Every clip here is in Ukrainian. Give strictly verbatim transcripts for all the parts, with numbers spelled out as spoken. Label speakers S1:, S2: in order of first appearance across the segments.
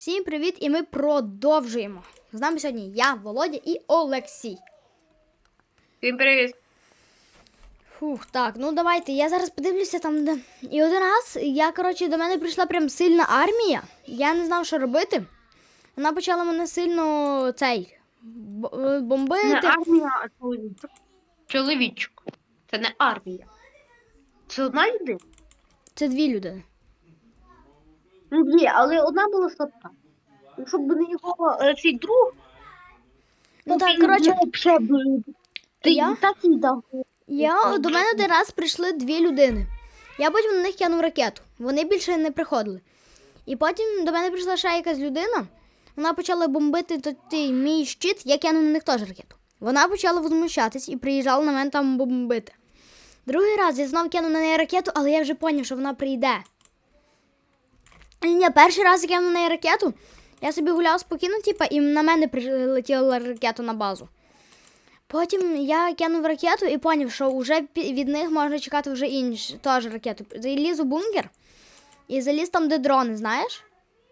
S1: Всім привіт! І ми продовжуємо. З нами сьогодні я, Володя і Олексій.
S2: Всім привіт.
S1: Фух, так, ну давайте, я зараз подивлюся там, де... І один раз, я, коротше, до мене прийшла прям сильна армія. Я не знав, що робити. Вона почала мене сильно, цей, бомбити.
S2: Не армія, а чоловічок. Чоловічок. Це не армія. Це одна людина?
S1: Це дві людини.
S2: Ні, але одна була слабка. Щоб не його е, цей друг.
S1: Ну так, коротше,
S2: Ти
S1: я,
S2: так і дав.
S1: я, до мене один раз прийшли дві людини. Я потім на них кинув ракету. Вони більше не приходили. І потім до мене прийшла ще якась людина. Вона почала бомбити той мій щит, я кинув на них теж ракету. Вона почала возмущатись і приїжджала на мене там бомбити. Другий раз я знову кинув на неї ракету, але я вже зрозумів, що вона прийде. Ні, перший раз я кинув на неї ракету, я собі гуляв спокійно, типу, і на мене прилетіла ракета на базу. Потім я кинув ракету і зрозумів, що вже від них можна чекати вже інші теж ракету. Заліз у бункер і заліз там, де дрони, знаєш?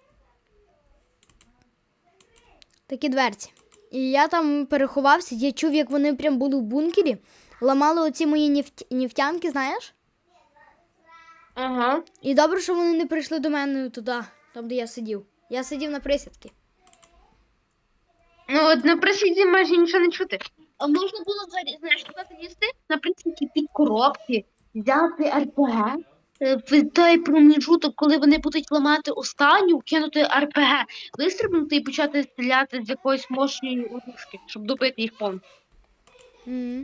S1: Такі дверці. І я там переховався, я чув, як вони прям були в бункері, ламали оці мої нефть... нефтянки, знаєш?
S2: Ага.
S1: І добре, що вони не прийшли до мене туди, там, де я сидів. Я сидів на присідки.
S2: Ну, от на присіді майже нічого не чути. А можна було, знаєш, туди залізти? На присідки під коробки, взяти ар пе ге, е, в той проміжуток, коли вони будуть ламати останню, кинути ар пе ге, вистрибнути і почати стріляти з якоїсь мощної оружки, щоб добити їх повністю.
S1: Mm.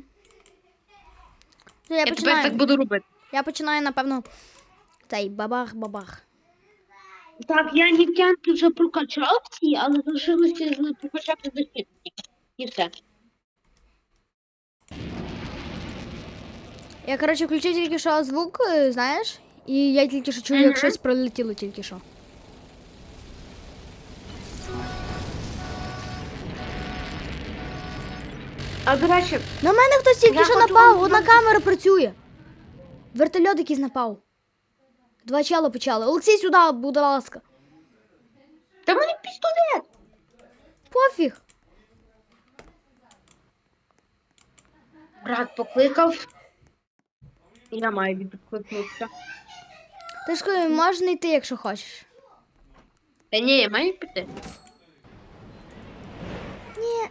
S1: Я,
S2: Я
S1: починаю.
S2: тепер так буду робити.
S1: Я починаю, напевно, цей бабах-бабах.
S2: Так, я нефтянки вже прокачав ці, але залишилося прокачати захисники. І все.
S1: Я, коротше, включив тільки що звук, знаєш, і я тільки що чую,
S2: Мгм.
S1: як щось пролетіло тільки що.
S2: А, до речі,
S1: На мене хтось тільки
S2: Я
S1: що
S2: хочу
S1: напав,
S2: вам
S1: одна
S2: сказати-
S1: камера працює. Вертольот якийсь напав. Два чела почали. Олексій, сюди, будь ласка.
S2: та в мене пістолет.
S1: Пофіг.
S2: Брат покликав. Я маю відкликнутися.
S1: Ти ж кажу, можна йти, якщо хочеш.
S2: Та ні, я маю піти.
S1: Ні.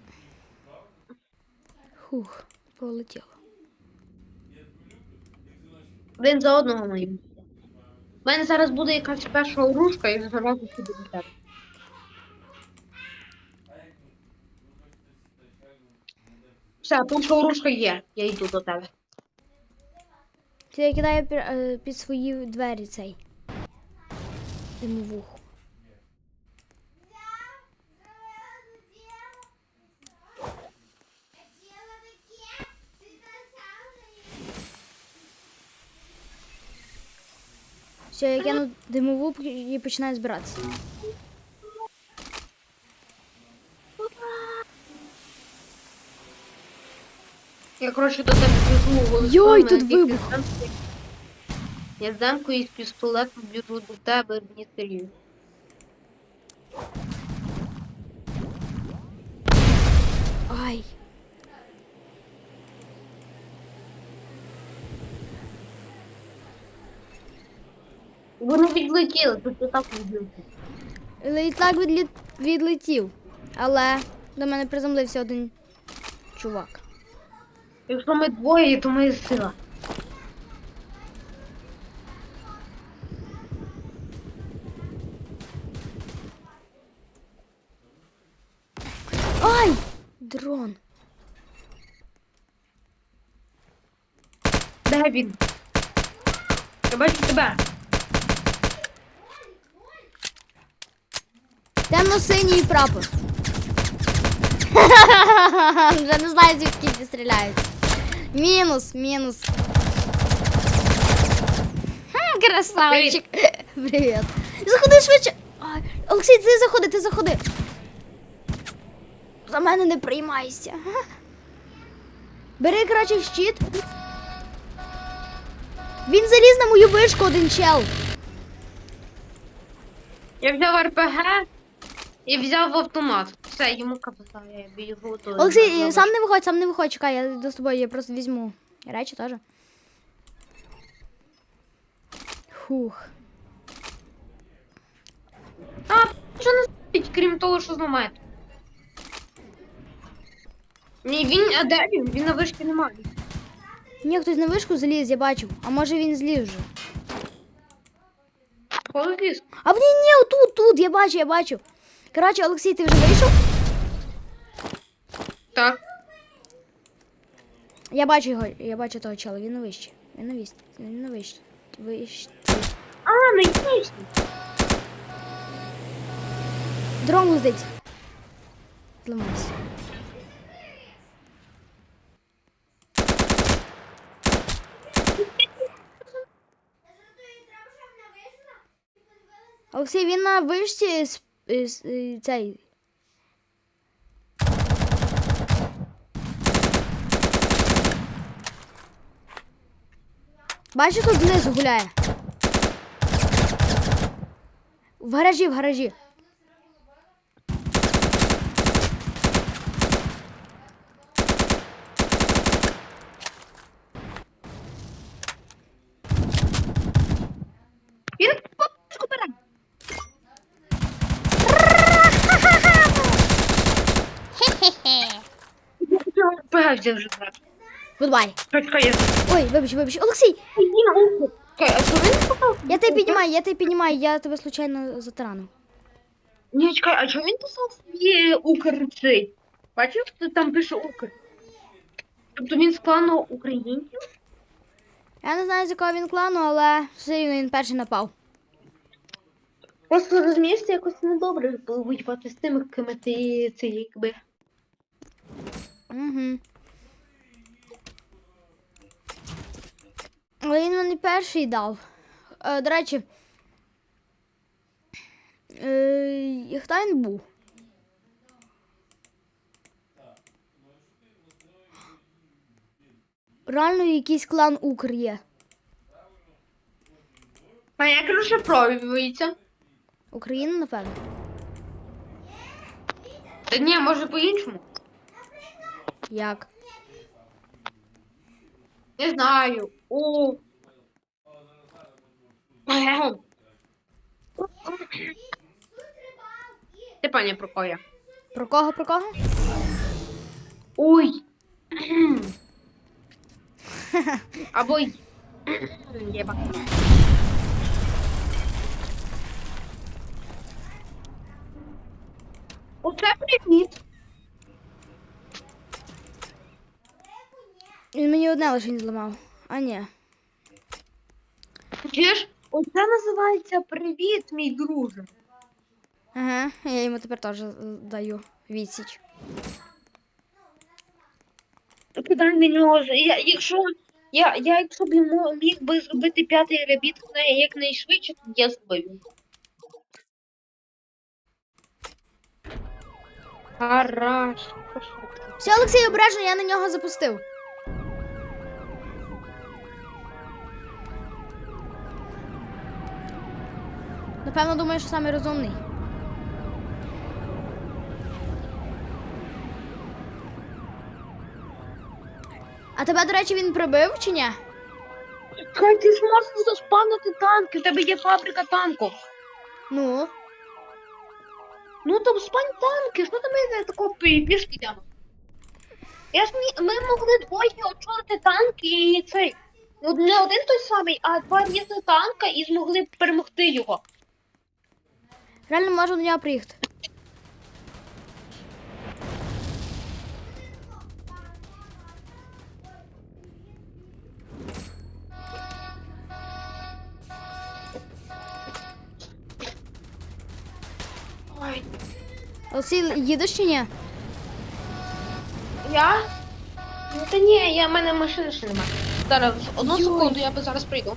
S1: Хух, полетіло.
S2: Один за одного має бути. У мене зараз буде якась перша оружка і зразу піду до тебе. Все, перша оружка є. Я йду до тебе.
S1: Це я кидаю пі- е, під свої двері цей. Димовуху. Все, я кину димову і починаю збиратися.
S2: Я, коротше, до тебе біжу голосом.
S1: Йой,
S2: на
S1: тут
S2: який
S1: вибух.
S2: ти там- Я з демкою і з пістолетом біжу до тебе, мені серйозно.
S1: Ай.
S2: Вони відлетіли, тут отак відлетіли.
S1: Літак відлі... відлетів, але до мене приземлився один чувак.
S2: Якщо ми двоє, то ми сила.
S1: Ай! Дрон.
S2: Де він? Я бачу тебе.
S1: Темно-синій прапор. Вже не знаю, звідки ці стріляють. Мінус, мінус. Хм, красавчик. Привіт. Заходи швидше. Ай, Олексій, ти заходи, ти заходи. За мене не приймайся. Бери, коротше, щит. Він заліз на мою вишку, один чел.
S2: Я взяв ар пе ге і взяв автомат. Все, йому капота, я біжу то.
S1: Олексій, сам не виходь, сам не виходь, чекай, я йду з тобою, я просто візьму речі теж. Фух.
S2: А, що не стоїть, крім того, що зламає? Ні, він, а де він? Він на вишці немає.
S1: Ні, хтось на вишку заліз, я бачив. А може він зліз вже.
S2: Коли ліс?
S1: А в ні, ні, тут, тут, я бачу, я бачу. Коротше, Олексій, ти вже вийшов?
S2: Так.
S1: Я бачу його, я бачу того чола, він на вищі. Він на вищі, він на вищі. Вищі.
S2: А, на вишці.
S1: Дрон летить. Зламався. Олексій, він на вишці з, з, з- цей. Бачиш, тут знизу гуляє. В гаражі, в гаражі.
S2: Він попочку бере. Я ар пе ге взяв вже брат.
S1: Гудбай.
S2: Чекай, я...
S1: Ой, вибач, вибач. Олексій,
S2: Чекай, а що він сказав?
S1: я тебе піднімаю, я тебе піднімаю, я тебе случайно затаранив.
S2: Ні, чекай, а чого він писав собі Укр цей? Бачив, що там пише Укр? Тобто він з клану українців?
S1: Я не знаю, з якого він клану, але все рівно він перший напав.
S2: Просто розумієш, це якось недобре було воювати з тими, ким ти це якби.
S1: Угу. Але він мені перший дав. Е, до речі, е, хто він був? Реально якийсь клан Укр є.
S2: А як розшифровується?
S1: Україна, напевно.
S2: Та ні, може по-іншому.
S1: Як?
S2: Не знаю. У. Ти пані про кого я?
S1: Про кого, про кого?
S2: Ой. Або й. Єба. Оце привіт.
S1: Він мені одне лише не зламав. А ні.
S2: Чуєш? Оце називається привіт, мій друже.
S1: Ага, я йому тепер теж е, даю відсіч.
S2: Кидай на нього. Я, якщо, я, я якщо б йому міг би зробити п'ятий ребіт якнайшвидше, то я зробив. Хорошо.
S1: Все, Олексій, обережно, я на нього запустив. Напевно, думаю, що самий розумний. А тебе, до речі, він прибив чи ні?
S2: Хай ти ж можеш заспавнити танки, в тебе є фабрика танків.
S1: Ну,
S2: Ну там спань танки, що там я такого пі- пішки йдемо? Я ж мі- ми могли двоє очолити танки і цей. Ну, не один той самий, а два різних танка і змогли б перемогти його.
S1: реально можу до нього приїхати.
S2: Ой.
S1: Олексій, їдеш чи ні?
S2: Я? Ну та ні, я в мене машини ще немає. Зараз одну
S1: Йой.
S2: секунду, я би зараз прийду.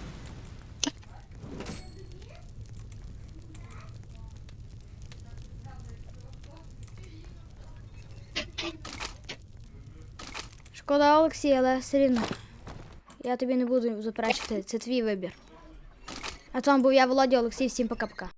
S1: Шкода, Олексій, але все рівно. Я тобі не буду заперечити, це твій вибір. А там був я, Володя, Олексій, всім пока-пока.